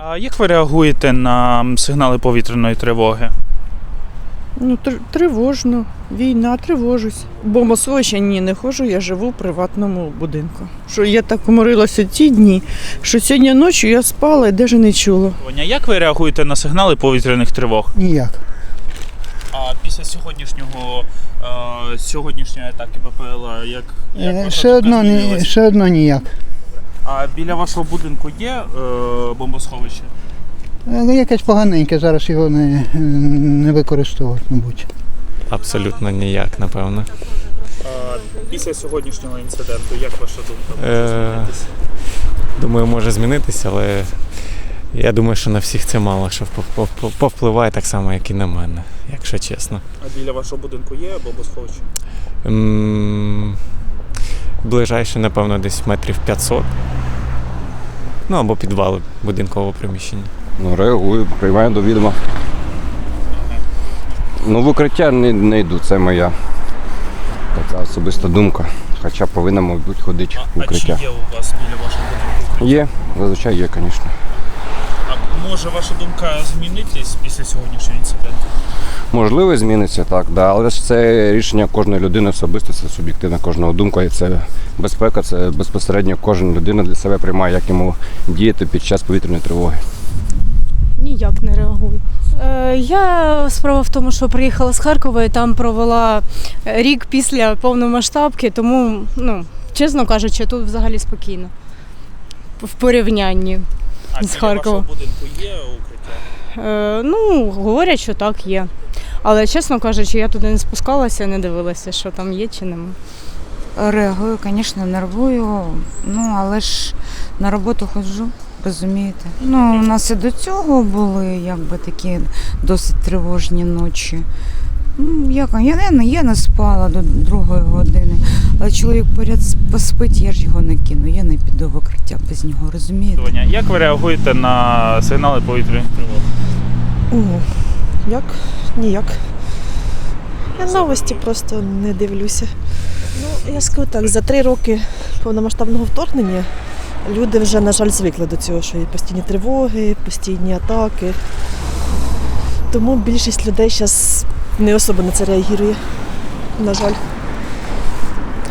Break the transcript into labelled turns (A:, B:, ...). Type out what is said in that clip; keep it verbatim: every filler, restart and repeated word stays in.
A: А як ви реагуєте на сигнали повітряної тривоги?
B: Ну, тр- тривожно. Війна, тривожусь. Бомбосховища ні, не ходжу, я живу в приватному будинку. Що я так уморилася ті дні, що сьогодні ночі я спала і навіть не чула.
A: Тоня, як ви реагуєте на сигнали повітряних тривог?
C: Ніяк.
A: А після сьогоднішнього е, сьогоднішньої атаки БПЛА, як, як
C: Е,
A: ваша
C: Ще
A: думка
C: одно, ні-
A: змінилась?
C: ще одно ніяк.
A: А біля вашого будинку є е, бомбосховище?
C: Е, Якесь поганеньке, зараз його не, не використовують, мабуть.
D: Абсолютно ніяк, напевно.
A: А після сьогоднішнього інциденту, як ваша думка може
D: Е,
A: змінитися?
D: Думаю, може змінитися, але я думаю, що на всіх це мало що вп- вп- повпливає так само, як і на мене, якщо чесно.
A: А біля вашого будинку є бомбосховище?
D: М, Ближайше, напевно, десь метрів п'ятсот. Ну, або підвали будинкового приміщення.
E: Ну, реагую, приймаю до відома. Ну, в укриття не, не йду, це моя така особиста думка. Хоча повинна, мабуть, ходити в
A: А, а чи
E: укриття.
A: є у вас біля вашого будинку?
E: Є, зазвичай є, звісно.
A: А може ваша думка змінитись після сьогоднішнього інциденту?
E: Можливо, зміниться, так, да. Але ж це рішення кожної людини особисто, це суб'єктивна кожного думка. І це безпека, це безпосередньо кожна людина для себе приймає, як йому діяти під час повітряної тривоги.
F: Ніяк не реагую. Е, я справа в тому, що приїхала з Харкова і там провела рік після повномасштабки, тому, ну, чесно кажучи, тут взагалі спокійно. В порівнянні.
A: А
F: З
A: біля
F: Харкова.
A: вашого будинку є укриття?
F: Е, ну, говорять, що так, є. Але, чесно кажучи, я туди не спускалася, не дивилася, що там є чи нема.
G: Реагую, звісно, нервую, ну але ж на роботу ходжу, розумієте. Ну, у нас і до цього були якби такі досить тривожні ночі. Ну, як, я, не, я не спала до другої години, але чоловік поряд поспить, я ж його не кину, я не піду в укриття без нього, розумієте?
A: Тоня, як ви реагуєте на сигнали повітряних тривог?
H: О, як? Ніяк. Я новості просто не дивлюся. Ну, я скажу так, за три роки повномасштабного вторгнення люди вже, на жаль, звикли до цього, що є постійні тривоги, постійні атаки. Тому більшість людей зараз не особо на це реагує, на жаль.